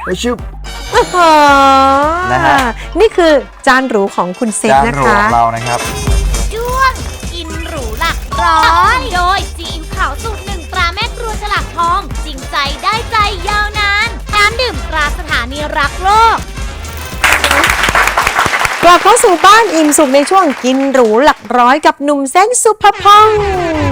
ไปชุบนะฮะนี่คือจานหรูของคุณเซฟนะคะจานหรูของเรานะครับช่วงกินหรูหลักร้อยโดยซีอิ๊วขาวสูตรหนึ่งตราแม่ครัวฉลากทองจริงใจได้ใจยาวนานน้ำดื่มตราสถานีรักโลกกลับเข้าสู่บ้านอิ่มสุขในช่วงกินหรูหลักร้อยกับหนุ่มเซนสุภพงศ์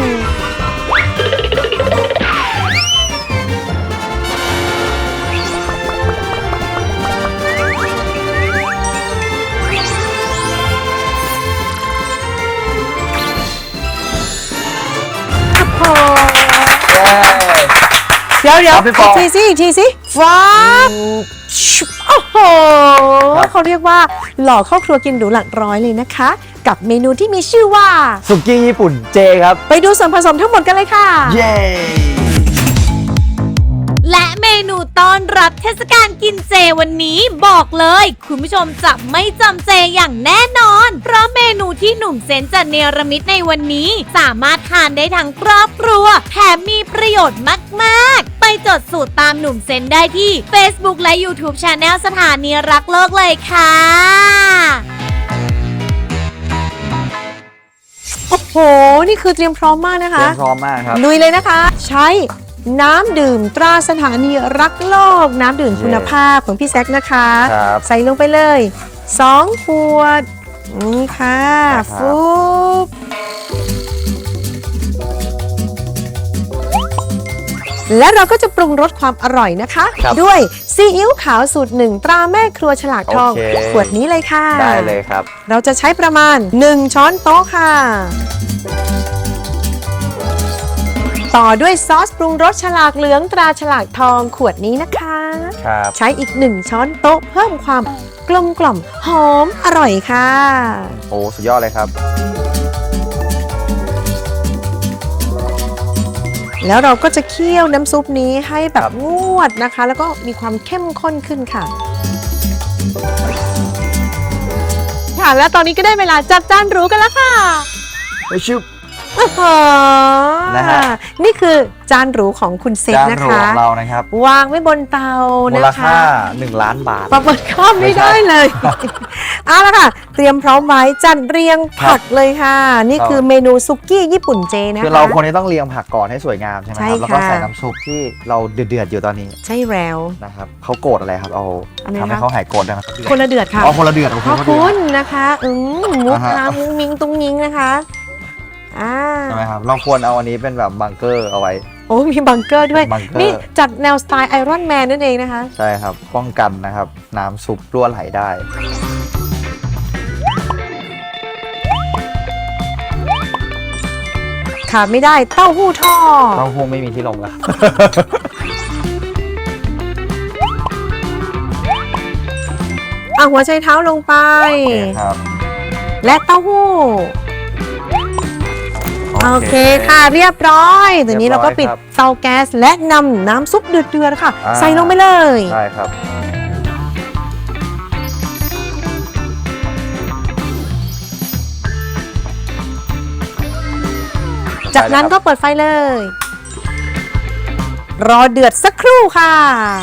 เดี๋ยวอีกทีสิฟ้าโอ้โหเขาเรียกว่าหล่อเข้าครัวกินหรูหลักร้อยเลยนะคะกับเมนูที่มีชื่อว่าสุกี้ญี่ปุ่นเจครับไปดูส่วนผสมทั้งหมดกันเลยค่ะเย้และเมนูต้อนรับเทศกาลกินเจวันนี้บอกเลยคุณผู้ชมจะไม่จำเจอย่างแน่นอนเพราะเมนูที่หนุ่มเซนจะเนรมิตในวันนี้สามารถทานได้ทั้งครอบครัวแถมมีประโยชน์มากๆไปจดสูตรตามหนุ่มเซนได้ที่ Facebook และ YouTube Channel สถานีรักโลกเลยค่ะโอ้โหนี่คือเตรียมพร้อมมากนะคะเตรียมพร้อมมากครับลุยเลยนะคะใช้น้ำดื่มตราสถานีรักโลกน้ำดื่มคุณภาพของพี่แซคนะคะใส่ลงไปเลย2 ขวดนี่ค่ะฟุบและเราก็จะปรุงรสความอร่อยนะคะด้วยซีอิ๊วขาวสูตร1ตราแม่ครัวฉลากทองขวดนี้เลยค่ะได้เลยครับเราจะใช้ประมาณ1 ช้อนโต๊ะค่ะต่อด้วยซอสปรุงรสฉลากเหลืองตราฉลากทองขวดนี้นะคะใช้อีก1 ช้อนโต๊ะเพิ่มความกลมกล่อมหอมอร่อยค่ะโอ้สุดยอดเลยครับแล้วเราก็จะเคี่ยวน้ำซุปนี้ให้แบบงวดนะคะแล้วก็มีความเข้มข้นขึ้นค่ะและตอนนี้ก็ได้เวลาจัดจานหรูกันแล้วค่ะไปชุบนะฮะนี่คือจานหรูของคุณเซฟนะคะจานหรูของเรานะครับวางไว้บนเตานะคะมูลค่า1 ล้านบาทประเมินค่าไม่ได้เลยเอาละค่ะเตรียมพร้อมไว้จัดเรียงผักเลยค่ะนี่คือเมนูซุกี้ญี่ปุ่นเจนะคะคือเราคนนี้ต้องเรียงผักก่อนให้สวยงามใช่ไหมครับแล้วก็ใส่น้ำซุปที่เราเดือดอยู่ตอนนี้ใช่แล้วนะครับเขาโกรธอะไรครับเอาทำให้เขาหายโกรธนะครับคนละเดือดค่ะคนละเดือดขอบคุณนะคะมุกน้ำมุ้งมิ้งตุ้งยิงนะคะใช่ไหมครับเราควรเอาอันนี้เป็นแบบบังเกอร์เอาไว้โอ้มีบังเกอร์ด้วยนี่จัดแนวสไตล์ไอรอนแมนนั่นเองนะคะใช่ครับป้องกันนะครับน้ำซุปรั่วไหลได้ขาดไม่ได้เต้าหู้ทอดเต้าหู้ไม่มีที่ลงแล้วหัวไชเท้าลงไปครับและเต้าหู้โอเคค่ะเรียบร้อยตอนนี้เราก็ปิดเตาแก๊สและนำน้ำซุปเดือดๆค่ะใส่ลงไปเลยใช่ครับจากนั้นก็เปิดไฟเลยรอเดือดสักครู่ค่ะ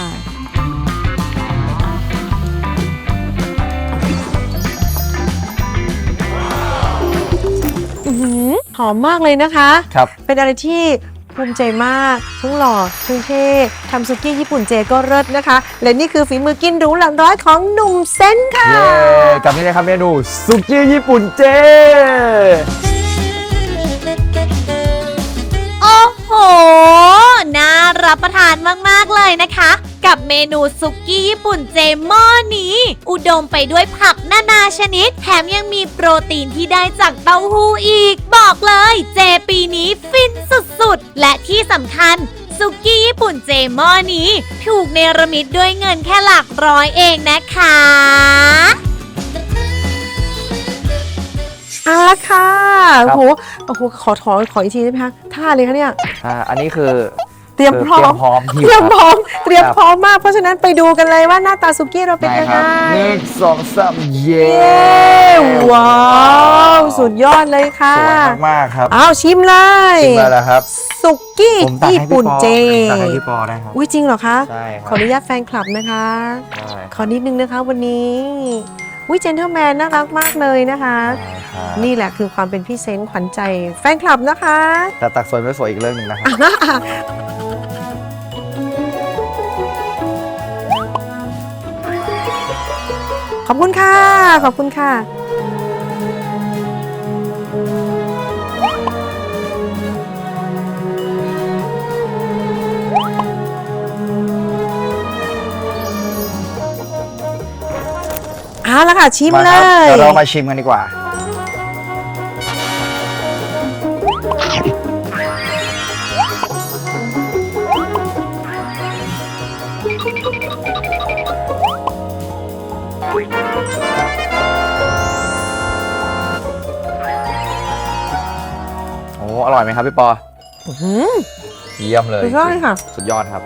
หอมมากเลยนะคะเป็นอะไรที่ภูมิใจมากทั้งหล่อทั้งเท่ทำซุกี้ญี่ปุ่นเจก็เลิศนะคะและนี่คือฝีมือกินหรูหลักร้อยของหนุ่มเซนค่ะกับนี่เลยครับเมนูซุกี้ญี่ปุ่นเจโอ้โหน่ารับประทานมากๆเลยนะคะกับเมนูซุกี้ญี่ปุ่นเจหม้อนี้อุดมไปด้วยผักนานาชนิดแถมยังมีโปรตีนที่ได้จากเต้าหู้อีกบอกเลยเจปีนี้ฟินสุดๆและที่สำคัญซุกี้ญี่ปุ่นเจหม้อนี้ถูกเนรมิตด้วยเงินแค่หลักร้อยเองนะคะเอาละค่ะโอ้โหขออีกทีได้ไหมคะท่าเลยคะเนี่ยอันนี้คือเตรียมพร้อมพร้อมเตรียมพร้อมเตรียมพร้อมมากเพราะฉะนั้นไปดูกันเลยว่าหน้าตาสุกี้เราเป็นยังไง 1 2 3 เย้ว้าวสุดยอดเลยค่ะสวยมากๆครับอ้าวชิมเลยชิมเลยแล้วครับสุกี้ผมตักญี่ให้พี่ปุ่นปอเจตักให้พี่ปอได้ครับอุ้ยจริงเหรอคะใช่คขรัออนุญาตแฟนคลับนะคะใช่ขอนิดนึงนะคะวันนี้อุ้ยเจนเทลแมนน่ารักมากเลยนะคะครับนี่แหละคือความเป็นพี่เซนต์ขวัญใจแฟนคลับนะคะแต่ตักสวยไม่สวยอีกเรื่องหนึ่งนะครับขอบคุณค่ะ ขอบคุณค่ะ เอาละค่ะ ชิมมาเลครับยเดี๋ยวเรามาชิมกันดีกว่า โอ้อร่อยไหมครับพี่ปออื้อหือเยี่ยมเลยสุดยอดเลยค่ะสุดยอดครับ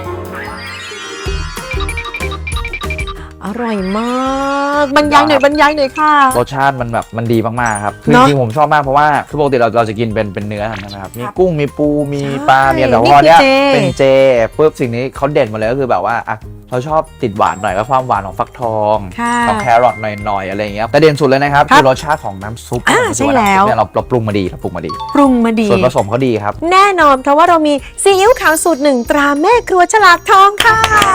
อร่อยมากบรรยายหน่อยบรรยายหน่อยค่ะรสชาติมันแบบมันดีมากๆครับคือเนจอะริงๆผมชอบมากเพราะว่าคือปกติเราจะกินเป็นเนื้อใช่ไหมครับมีกุ้งมีปูมีใช่ปลามีอะไรแต่นี่พอเนี้ยคือเจเป็นเจปุ๊บสิ่งนี้เขาเด่นมาเลยก็คือแบบว่าอ่ะเราชอบติดหวานหน่อยก็ความหวานของฟักทองค่ะเอาแครอทหน่อยๆอะไรอย่างเงี้ยแต่เด่นสุดเลยนะครับครับคือรสชาติของน้ำซุปอ่าผมรู้สึกาใช่แล้วน้ำซุปเนี่ยเราปรุงมาดีเราปรุงมาดีปรุงมาดีส่วนผสมเขาดีครับแน่นอนเพราะว่าเรามีซีอิ๊วขาวสูตรหนึ่งตราแม่ครัวฉลากทองค่ะ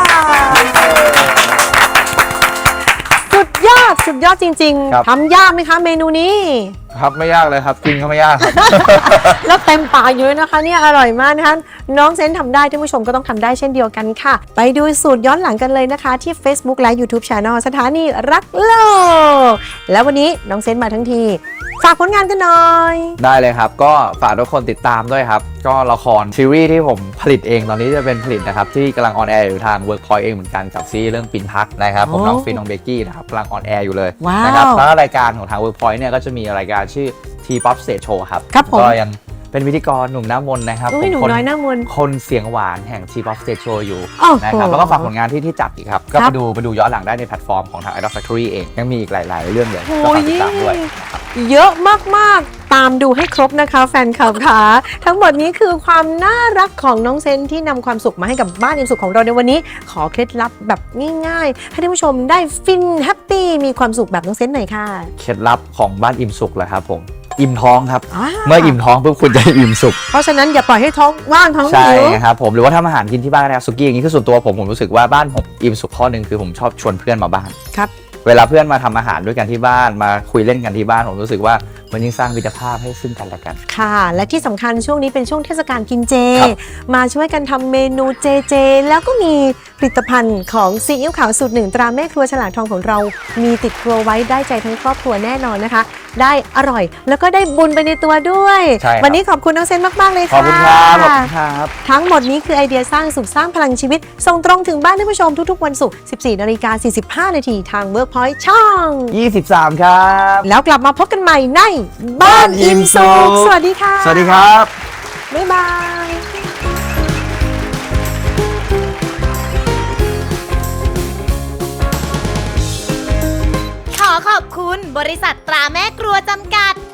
สุดยอดจริงครับๆทำยากไหมคะเมนูนี้ครับไม่ยากเลยครับกินก็ไม่ยากครับแล้วเต็มปากอยู่เลยนะคะเนี่ยอร่อยมากนะคะน้องเซนทำได้ท่านผู้ชมก็ต้องทำได้เช่นเดียวกันค่ะ ไปดูสูตรย้อนหลังกันเลยนะคะ ที่ Facebook และ YouTube Channel สถานีรักโลกแล้ววันนี้น้องเซนมาทั้งทีฝากผลงานกันหน่อยได้เลยครับ ก็ฝากทุกคนติดตามด้วยครับ ก็ละครซีรีส์ที่ผมผลิตเองตอนนี้จะเป็นผลิตนะครับ ที่กำลังออนแอร์อยู่ทาง Workpoint เองเหมือนกันกับซีรีส์เรื่องปินพักนะครับผมโอ้น้องฟินน้องเบกกี้นะครับกำลังออนแอร์อยู่เลยว้าวนะครับแล้วก็รายการของทาง Workpoint เนี่ยก็จะมีรายการชื่อ T-POP Stage Show ครับครับผมก็ยังเป็นพิธีกรหนุ่มหน้ามนต์นะครับอุ้ยหนูผมน้อยหน้ามนต์คนเสียงหวานแห่ง T-POP Stage Show อยู่โอ้โหนะครับแล้วก็ฝากผลงานที่จัดอีกครับก็ครัไปบดูย้อนหลังได้ในแพลตฟอร์มของทาง Idol Factory เองยังมีอีกหลาย ๆ เรื่องเลยก็โอ้ฝาย กติดตามด้วยเยอะมากๆ ตามดูให้ครบนะคะแฟนคลับค่ะทั้งหมดนี้คือความน่ารักของน้องเซนที่นำความสุขมาให้กับบ้านอิ่มสุขของเราในวันนี้ ขอเคล็ดลับแบบง่ายๆ ให้ท่านผู้ชมได้ฟินแฮปปี้มีความสุขแบบน้องเซนหน่อยค่ะเคล็ดลับของบ้านอิ่มสุขเหรอครับผมอิ่มท้องครับาเมื่ออิ่มท้องปุ๊บคุณจะอิ่มสุขเพราะฉะนั้นอย่าปล่อยให้ท้องว่างท้องใช่หิวครับผมหรือว่าทำอาหารกินที่บ้านนะครับสุกี้อย่างนี้คือส่วนตัวผมรู้สึกว่าบ้านผมอิ่มสุขข้อหนึ่งคือผมชอบชวนเพื่อนมาบ้านครับเวลาเพื่อนมาทำอาหารด้วยกันที่บ้านมาคุยเล่นกันที่บ้านผมรู้สึกว่ามันยิ่งสร้างมิตรภาพให้ซึ่งกันและกันค่ะ และที่สำคัญช่วงนี้เป็นช่วงเทศกาลกินเจครับมาช่วยกันทำเมนูเจ แล้วก็มีผลิตภัณฑ์ของซีอิ๊วขาวสูตรหนึ่งตราแม่ครัวฉลากทองของเรา มีติดครัวไว้ได้ใจทั้งครอบครัวแน่นอนนะคะ ได้อร่อยแล้วก็ได้บุญไปในตัวด้วยใช่ครับวันนี้ขอบคุณน้องเซนมากๆเลยขอบค่ะคุณครับขอบคุณครับทั้งหมดนี้คือไอเดียสร้างสุขสร้างพลังชีวิต ส่งตรงถึงบ้านท่านผู้ชมทุกๆวันศุกร์ 14:45 นาทีทาง Workpoint ช่อง 23 ครับแล้วกลับมาพบกันใหม่ในบ้านอิ่มสุขสวัสดีค่ะสวัสดีครับบ๊ายบายขอขอบคุณบริษัทตราแม่ครัวจำกัด